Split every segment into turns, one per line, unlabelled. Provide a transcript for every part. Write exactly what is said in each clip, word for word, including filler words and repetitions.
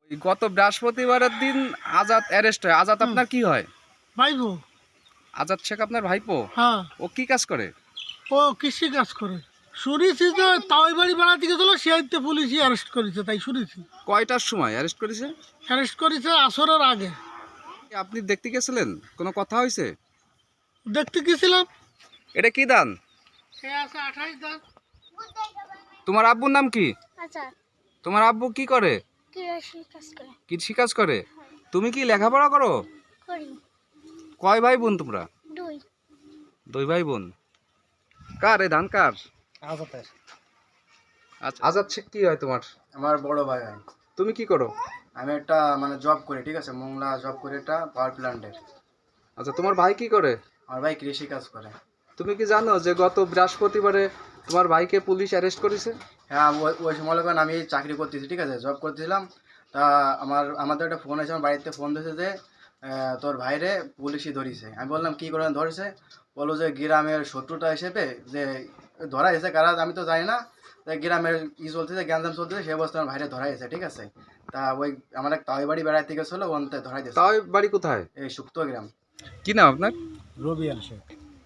ওই গত বৃহস্পতিবারের দিন আজাদ অ্যারেস্ট হয়। আজাদ
হুম।
আপনার কি হয়?
ভাইবো।
আজাদ শেখ আপনার ভাইপো?
হ্যাঁ,
ও কি কাজ করে?
ও কৃষি কাজ করে। শুনেছি যে তাওই বাড়ি বেড়াতে গেছিল, সেইতে পুলিশই অ্যারেস্ট করেছে, তাই শুনেছি।
কয়টার সময় অ্যারেস্ট করেছে?
অ্যারেস্ট করেছে আসরের আগে।
আপনি দেখতে গেছিলেন? কোনো কথা হয়েছে?
দেখতে গেছিলাম।
এটা কি দান?
সে আছে আঠাইশ দান।
তোমার আব্বুর নাম কি?
আচ্ছা,
তোমার আব্বু কি করে?
কৃষি কাজ করে।
কৃষি কাজ করে? তুমি কি লেখাপড়া করো?
করি।
কয় ভাই বোন তোমরা?
দুই।
দুই ভাই বোন। কার এই ধান কার?
আজাদের।
আচ্ছা, আজাদ শেখ কি হয় তোমার?
আমার বড় ভাই হয়।
তুমি কি করো?
আমি একটা মানে জব করি, ঠিক আছে, মোংলা জব করি একটা পাওয়ার প্ল্যান্টের।
আচ্ছা, তোমার ভাই কি করে?
আমার ভাই কৃষি কাজ করে।
তুমি কি জানো যে গত বৃহস্পতিবারে তোমার ভাইকে পুলিশ অ্যারেস্ট করেছে?
হ্যাঁ, ওই ওই সময় যখন আমি চাকরি করতেছি, ঠিক আছে, জব করতেছিলাম, তা আমার আমাদের একটা ফোন আছে, আমার বাড়িতে ফোন দিয়েছে যে আহ, তোর ভাইরে পুলিশই ধরিছে। আমি বললাম কী করে ধরেছে? বললো যে গ্রামের শত্রুতা হিসেবে যে ধরা হয়েছে কারা আমি তো জানি না, তাই গ্রামের ই চলতেছে, গ্যাঞ্জাম চলতেছে, সে অবস্থা আমার ভাইরে ধরা হয়েছে, ঠিক আছে। তা ওই আমার এক তাই বাড়ি বেড়াইতে গেছিলো, ওনতে ধরাই দিয়েছে।
তাও বাড়ি কোথায়?
এই সুক্ত গ্রাম।
কি নাম আপনার?
রবিয়ান শেখ।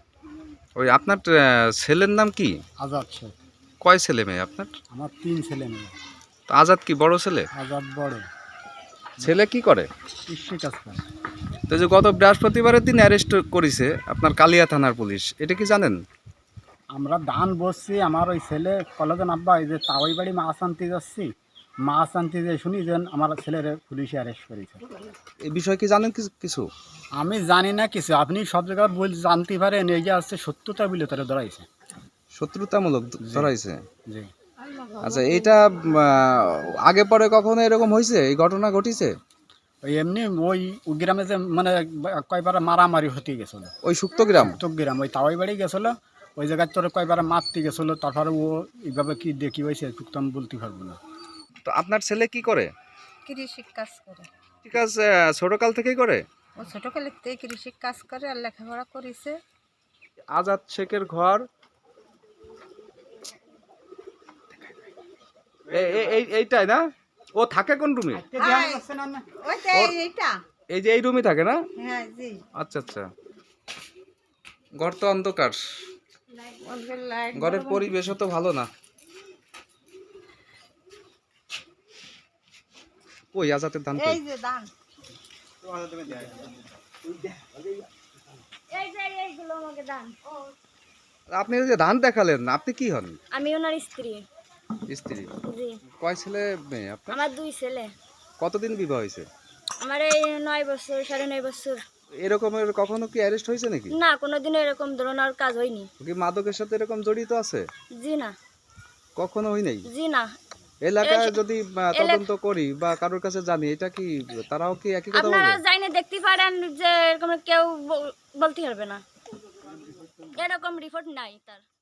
ওই আপনার আহ, ছেলের নাম কি?
আজাদ শেখ।
কয় ছেলে মেয়ে আপনার?
আমার তিন ছেলে মেয়ে।
তো আজাদ কি বড় ছেলে?
আজাদ বড়।
ছেলে কি করে?
কৃষি কাজ করে।
তো যে গত বৃহস্পতিবারের দিন অ্যারেস্ট করেছে আপনার কালিয়া থানার পুলিশ, এটা কি জানেন?
আমরা ধান বসছি, আমার ওই ছেলে কলেজে আব্বা এই যে তাওই বাড়ি মাছ আনতে যাচ্ছি, মাছ আনতে যে শুনি যে আমার ছেলের পুলিশে অ্যারেস্ট করেছে।
এই বিষয়ে কি জানেন কিছু কিছু?
আমি জানি না কিছু, আপনি সব জায়গায় বল জানতে পারেন, এই যে আসছে সত্যতা বলে তারা ধরাইছে।
শত্রুতামূলক ধরাইছে?
জি।
আচ্ছা, এইটা আহ, আগে পরে কখনো এরকম হয়েছে, এই ঘটনা ঘটিছে?
ওই এমনি ওই গ্রামে যে মানে কয়বার মারামারি হতে গেছিলো,
ওই সুক্ত গ্রাম?
তো গ্রাম ওই তাওই বাড়ি গেছিলো, ওই জায়গায় তোর কয়বার মারতে গেছিলো, তারপরে ও এইভাবে কি দেখি হয়েছে একটু আমি বলতে পারবো না।
তো আপনার ছেলে কি করে?
কৃষি কাজ করে।
ঠিক আছে, ছোটকাল থেকেই করে?
ও ছোটকালের থেকে কৃষি কাজ করে আর লেখাপড়া করেছে।
আজাদ শেখের ঘর এ- এ- এই এইটাই না? ও থাকে কোন রুমে?
ওইটা এইটা।
এই যে এই রুমে থাকে না?
হ্যাঁ জি।
আচ্ছা আচ্ছা। ঘর তো অন্ধকার,
ওদের লাইট
ঘরের পরিবেশও তো ভালো না। ওই আজাদের ধান কই?
এই যে দান।
এই যে এইগুলো আমাকে দান।
আপনি ওই যে ধান দেখালেন, আপনি কি হন?
আমি ওনার স্ত্রী।
স্ত্রী?
জি।
কয় ছেলে মেয়ে আপনার?
আমার দুই ছেলে।
কতদিন বিবাহ হয়েছে?
আমার এই নয় বছর সাড়ে নয় বছর।
এরকমের কখনো কি অ্যারেস্ট হয়েছে নাকি?
না, কোনোদিনও এরকম ধরনের কাজ হয়নি।
ও কি মাদকের সাথে এরকম জড়িত আছে?
জি না।
কখনো হয় নাই?
জি না।
এলাকায়
এস-
যদি আহ,
এলাক-
তদন্ত করি বা কারোর কাছে জানি, এটা কি তারাও কি একই কথা
আপনারা
বলবে?
যাইনে দেখতে পারেন যে এরকম কেউ ব- বলতে পারবে না, এরকম রিপোর্ট নাই তার।